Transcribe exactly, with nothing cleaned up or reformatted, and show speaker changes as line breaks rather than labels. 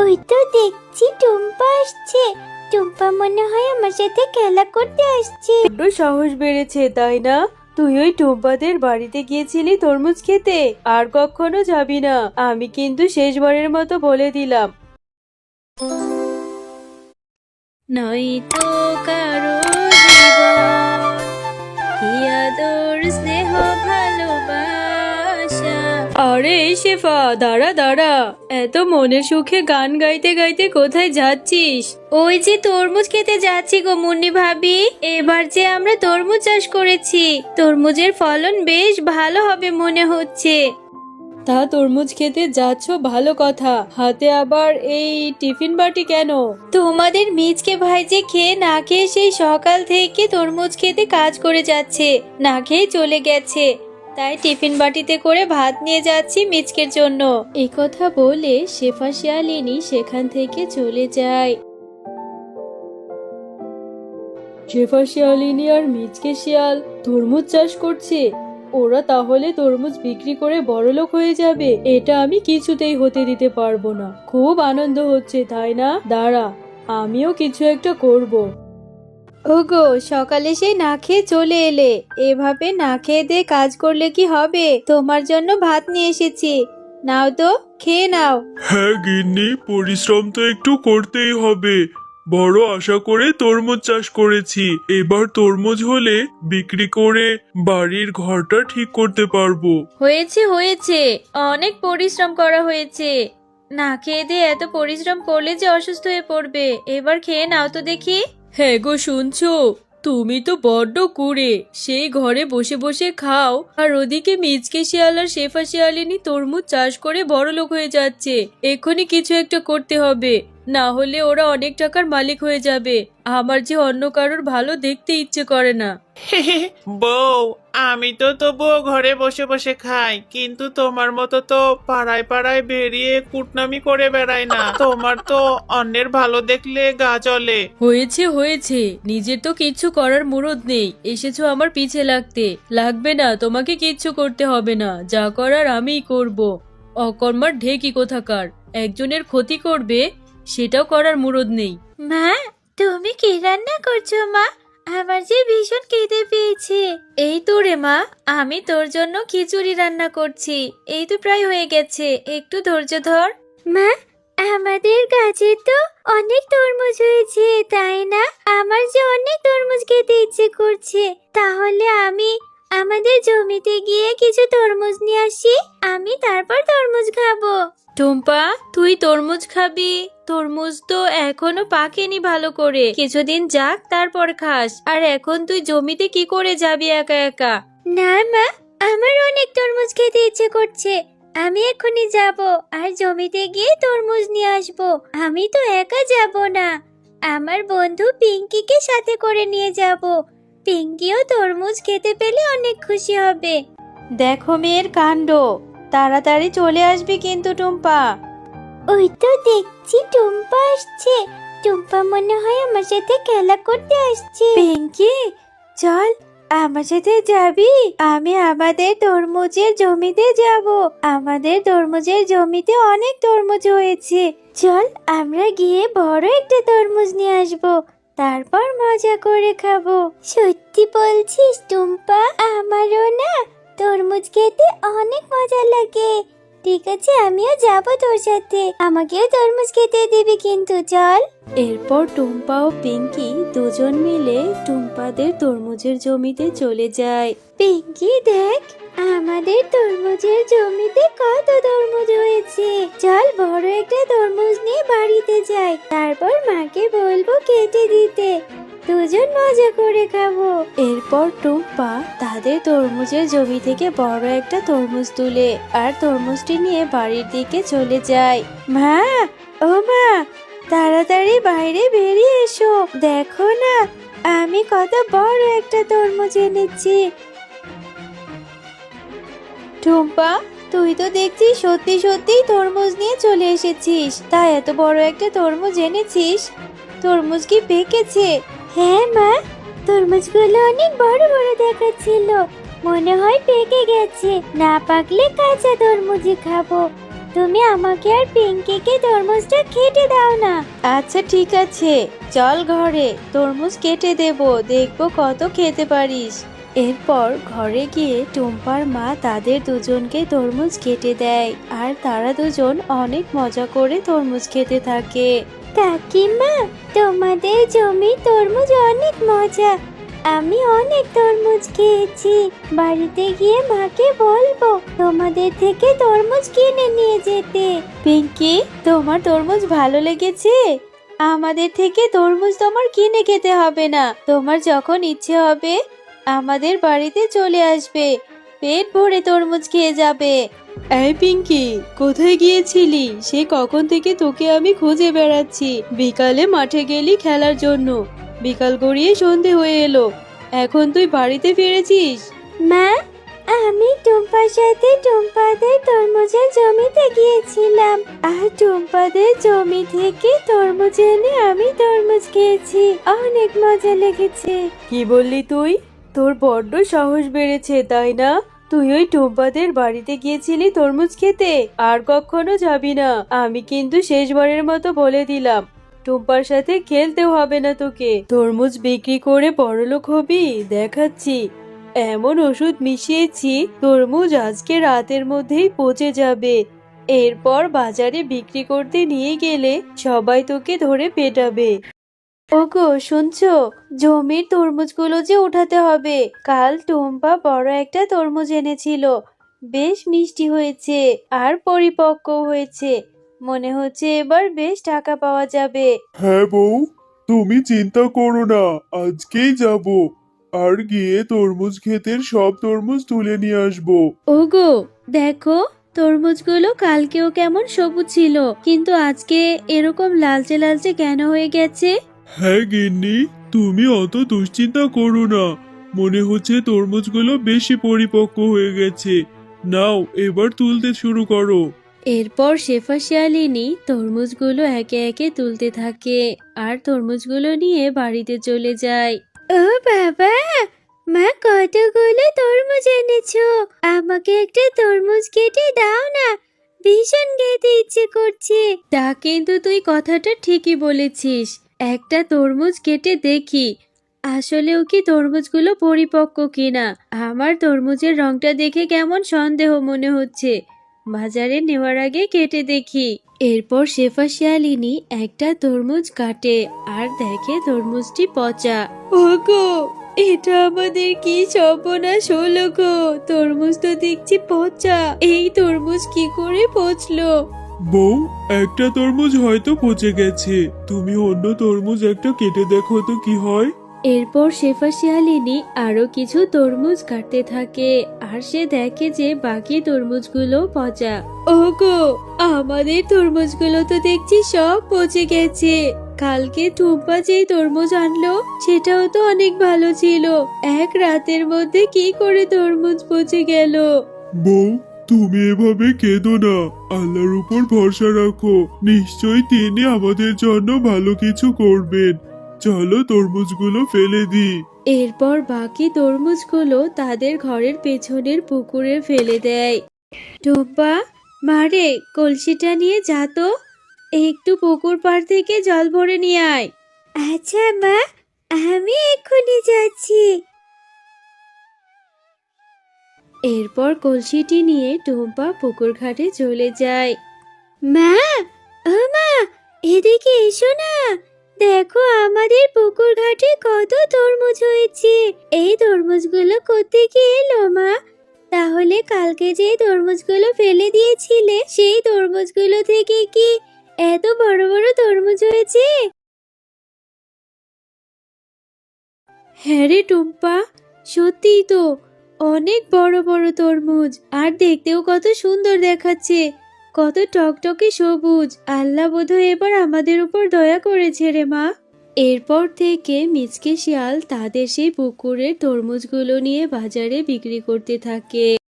ওই তো দেখছি টুম্পা আসছে। টুম্পা মনে হয় আমার সাথে খেলা করতে আসছে।
বড্ড সাহস বেড়েছে তাই না? তুই ওই টুম্পাদের বাড়িতে গিয়েছিলি তরমুজ খেতে, আর কখনো যাবি না। আমি কিন্তু শেষবারের মতো বলে দিলাম। নয়তো কারো জীবন কি আদর স্নেহ ভালোবাসা। আরে শেফা, দাঁড়া দাঁড়া, এত মনের সুখে গান গাইতে গাইতে কোথায় যাচ্ছিস?
ওই যে তরমুজ খেতে যাচ্ছি গো মুন্নি ভাবি। এবার যে আমরা তরমুজ চাষ করেছি, তরমুজের ফলন বেশ ভালো হবে মনে হচ্ছে।
তা তরমুজ খেতে যাচ্ছ ভালো কথা, হাতে আবার এই টিফিন বাটি কেন?
তোমাদের মিজকে ভাই যে খেয়ে না খেয়ে সেই সকাল থেকে তরমুজ খেতে কাজ করে যাচ্ছে, না খেয়ে চলে গেছে। তাই টিফিন বাটিতে করে ভাত নিয়ে যাচ্ছি মিজকের জন্য।
এই কথা বলে শেফা শিয়ালিনী সেখান থেকে চলে যায়। শেফা শিয়ালিনী আর মিচকে শিয়াল তরমুজ চাষ করছে। ওরা তাহলে তরমুজ বিক্রি করে বড়লোক হয়ে যাবে, এটা আমি কিছুতেই হতে দিতে পারবো না। খুব আনন্দ হচ্ছে তাই না? দাঁড়া, আমিও কিছু একটা করব।
ওগো, সকালে সেই না খেয়ে চলে এলে, এভাবে না খেয়ে দিয়ে কাজ করলে কি হবে? তোমার জন্য ভাত নিয়ে এসেছি, নাও তো, খেয়ে নাও।
হ্যাঁ গিন্নি, পরিশ্রম তো একটু করতেই হবে। বড় আশা করে তরমুজ চাষ করেছি, এবার তরমুজ হলে বিক্রি করে বাড়ির ঘরটা ঠিক করতে পারবো।
হয়েছে হয়েছে, অনেক পরিশ্রম করা হয়েছে। না খেয়ে দিয়ে এত পরিশ্রম করলে যে অসুস্থ হয়ে পড়বে। এবার খেয়ে নাও তো দেখি।
হ্যাঁ গো, শুনছো? তুমি তো বড্ড কুড়ে, সেই ঘরে বসে বসে খাও, আর ওদিকে মিচকে শিয়াল আর শেফা শিয়ালিনী তরমুজ চাষ করে বড়লোক হয়ে যাচ্ছে। এক্ষুনি কিছু একটা করতে হবে, না হলে ওরা অনেক টাকার মালিক হয়ে যাবে। আমার যে অন্য কারোর ভালো দেখতে ইচ্ছে করে না।
বউ, আমি তো তবুও ঘরে বসে বসে খাই, কিন্তু তোমার মতো তো পাড়ায় পাড়ায় বেরিয়ে কুটনামি করে বেড়াই না। তোমার তো অন্যের ভালো দেখলে গা জ্বলে।
হয়েছে হয়েছে, নিজের তো কিচ্ছু করার মুরদ নেই, এসেছো আমার পিছে লাগতে। লাগবে না, তোমাকে কিচ্ছু করতে হবে না, যা করার আমিই করব। অকর্মার ঢেকি কোথাকার, একজনের ক্ষতি করবে সেটাও করার মুরদ নেই।
মা, তুমি কি রান্না করছো মা? আমার যে ভীষণ খিদে পেয়েছে। এই তো রে মা, আমি তোর জন্য খিচুড়ি রান্না করছি। এই তো প্রায় হয়ে গেছে, একটু ধৈর্য ধর। মা, আমাদের গাছে তো অনেক তরমুজ হয়েছে তাই না? আমার যে অনেক তরমুজ খেতে ইচ্ছে করছে। তাহলে আমি আমাদের জমিতে গিয়ে কিছু তরমুজ নিয়ে আসি, আমি তারপর তরমুজ খাবো।
টুম্পা, তুই তরমুজ খাবি? তরমুজ তো এখনো পাকেনি ভালো করে, কিছুদিন যাক তারপর খাস। আর এখন তুই জমিতে কি করে যাবি একা একা?
না মা, আমার অনেক তরমুজ খেতে ইচ্ছে করছে, আমি এখনই যাব আর জমিতে গিয়ে তরমুজ নিয়ে আসব। আমি তো একা যাব না, আমার বন্ধু পিঙ্কিকে সাথে করে নিয়ে যাব। পিঙ্কিও তরমুজ খেতে পেলে অনেক খুশি হবে।
দেখো মেয়ের কাণ্ড, তাড়াতাড়ি চলে আসবি কিন্তু টুম্পা।
ওই তো দেখছি টুম্পা আসছে। টুম্পা মনে হয় আমার সাথে খেলা করতে আসছে। পিঙ্কি, চল আমার সাথে যাবি? আমি আমাদের তরমুজের জমিতে যাব। আমাদের তরমুজের জমিতে অনেক তরমুজ হয়েছে। চল আমরা গিয়ে বড় একটা তরমুজ নিয়ে আসবো, তারপর মজা করে খাবো। সত্যি বলছিস টুম্পা? আমারও না তরমুজ খেতে অনেক মজা লাগে। ঠিক আছে, আমিও যাব তোর সাথে, আমাকেও তরমুজ খেতে দিবি কিন্তু। চল।
এরপর টুম্পা ও পিঙ্কি দুজন মিলে টুম্পাদের তরমুজের জমিতে চলে যায়।
পিঙ্কি দেখ, আমাদের তরমুজের জমিতে কত তরমুজ হয়েছে। চল বড় একটা তরমুজ নিয়ে বাড়িতে যাই, তারপর মাকে বলবো কেটে দিতে, দুজন মজা করে খাবো।
এরপর টুম্পা তাদের তরমুজের জমি থেকে বড় একটা তরমুজ তুলে আর তরমুজটি নিয়ে বাড়ির দিকে চলে যায়।
মা, ও মা, তাড়াতাড়ি বাইরে বেরিয়ে এসো, দেখো না আমি কত বড় একটা তরমুজ এনেছি।
টুম্পা, তুই তো দেখছি সত্যি সত্যি তরমুজ নিয়ে চলে এসেছিস। তা এত বড় একটা তরমুজ এনেছিস? তরমুজ কি পেকেছে?
হ্যাঁ মা, তরমুজগুলো অনেক বড় বড় দেখাচ্ছিল, মনে হয় পেকে গেছে। না পাকলে কাঁচা তরমুজই খাবো। তুমি আমাকে আর পিঙ্কিকে তরমুজটা কেটে দাও না।
আচ্ছা ঠিক আছে, চল ঘরে তরমুজ কেটে দেব, দেখবো কত খেতে পারিস। এরপর ঘরে গিয়ে টুম্পার মা তাদের দুজনকে তরমুজ কেটে দেয় আর তারা দুজন অনেক মজা করে তরমুজ খেতে থাকে।
কাকিমা, তোমাদের জমি তরমুজ অনেক মজা। আমি অনেক তরমুজ খেয়েছি। বাড়িতে গিয়ে মাকে বলবো তোমাদের থেকে তরমুজ কিনে নিয়ে যেতে।
পিঙ্কি, তোমার তরমুজ ভালো লেগেছে? আমাদের থেকে তরমুজ তোমার কিনে খেতে হবে না, তোমার যখন ইচ্ছে হবে আমাদের বাড়িতে চলে আসবে, পেট ভরে তরমুজ খেয়ে যাবে। এই পিঙ্কি, কোথায় গিয়েছিলি? সে কখন থেকে তোকে আমি খুঁজে বেড়াচ্ছি। বিকালে মাঠে গেলি খেলার জন্য, বিকাল গড়িয়ে সন্ধে হয়ে এলো, এখন তুই বাড়িতে ফিরেছিস?
মা, আমি টুম্পার সাথে টুম্পাদের তরমুজের জমিতে গিয়েছিলাম আর টুম্পাদের জমি থেকে তরমুজ এনে আমি তরমুজ খেয়েছি। অনেক মজা লেগেছে।
কি বললি তুই? তোর বড্ড সাহস বেড়েছে তাই না? তুই ওই টুম্পাদের বাড়িতে গিয়েছিলি তরমুজ খেতে? আর কখনো যাবি না। আমি কিন্তু শেষবারের মতো বলে দিলাম, টুম্পার সাথে খেলতেও হবে না তোকে। তরমুজ বিক্রি করে বড়লোক হবি দেখাচ্ছি। এমন ওষুধ মিশিয়েছি তরমুজ আজকে রাতের মধ্যেই পচে যাবে। এরপর বাজারে বিক্রি করতে নিয়ে গেলে সবাই তোকে ধরে পেটাবে। ওগো শুনছো, জমির তরমুজগুলো যে উঠাতে হবে। কাল টুম্পা বড় একটা তরমুজ এনেছিল, বেশ মিষ্টি হয়েছে আর পরিপক্ক হয়েছে। মনে হচ্ছে এবার বেশ টাকা পাওয়া যাবে।
হ্যাঁ বউ, তুমি চিন্তা করো না, আজকেই যাব আর গিয়ে তরমুজ ক্ষেতের সব তরমুজ তুলে নিয়ে আসবো।
ওগো দেখো, তরমুজগুলো কালকেও কেমন সবুজ ছিল, কিন্তু আজকে এরকম লালচে লালচে কেন হয়ে গেছে?
হ্যাঁ গিন্নি, তুমি অত দুশ্চিন্তা করো না, মনে হচ্ছে তরমুজগুলো বেশি পরিপক্ক হয়ে গেছে। নাও এবার তুলতে শুরু করো।
এরপর শেফা শিয়ালিনী তরমুজগুলো একে একে তুলতে থাকে আর তরমুজগুলো নিয়ে বাড়িতে চলে যায়।
ও বাবা, মা কতগুলো তরমুজ এনেছো। আমাকে একটা তরমুজ কেটে দাও না, ভীষণ খেতে ইচ্ছে করছে।
তা কিন্তু তুই কথাটা ঠিকই বলেছিস, একটা তরমুজ কেটে দেখি আসলেও কি তরমুজগুলো পরিপক্ক কিনা। আমার তরমুজের রংটা দেখে কেমন সন্দেহ মনে হচ্ছে, বাজারে নেওয়ার আগে কেটে দেখি। এরপর শেফা শিয়ালিনী একটা তরমুজ কাটে আর দেখে তরমুজটি পচা। ওগো, এটা আমাদের কি সর্বনাশ হলো গো, তরমুজ তো দেখছি পচা। এই তরমুজ কি করে পচলো?
বউ, একটা তরমুজ হয়তো পচে গেছে, তুমি অন্য তরমুজ একটা কেটে দেখো তো কি হয়।
এরপর শেফা শিয়ালিনী আরো কিছু তরমুজ কাটতে থাকে আর সে দেখে যে বাকি তরমুজগুলো পচা। ওগো, আমাদের তরমুজগুলো তো দেখছি সব পচে গেছে। কালকে টুম্পা যে তরমুজ আনলো সেটাও তো অনেক ভালো ছিল, এক রাতের মধ্যে কি করে তরমুজ পচে গেল?
বউ, তুমি এভাবে কেঁদো না, আল্লাহর উপর ভরসা রাখো, নিশ্চয়ই তিনি আমাদের জন্য ভালো কিছু করবেন। চলো তরমুজগুলো ফেলে দিই।
এরপর বাকি তরমুজগুলো তাদের ঘরের পেছনের পুকুরে ফেলে দেয়। টুম্পা, মারে কলসিটা নিয়ে যা তো, একটু পুকুর পাড় থেকে জল ভরে নিয়ে আয়।
আচ্ছা মা, আমি এক্ষুনি যাচ্ছি।
এরপর কলসিটি নিয়ে টুম্পা পুকুর ঘাটে চলে যায়।
মা, ও মা, এদিকে এসো না। দেখো আমাদের পুকুর ঘাটে কত তরমুজ হয়েছে। এই তরমুজগুলো কোত্থেকে এলো মা? তাহলে কালকে যে তরমুজগুলো ফেলে দিয়েছিলে সেই তরমুজগুলো থেকে কি এত বড় বড় তরমুজ হয়েছে?
হ্যাঁ রে টুম্পা, সত্যিই তো অনেক বড় বড় তরমুজ, আর দেখতেও কত সুন্দর দেখাচ্ছে, কত টকটকে সবুজ। আল্লাহ বোধহয় এবার আমাদের উপর দয়া করেছে রে মা। এরপর থেকে মিচকে শিয়াল তাদের সেই পুকুরের তরমুজগুলো নিয়ে বাজারে বিক্রি করতে থাকে।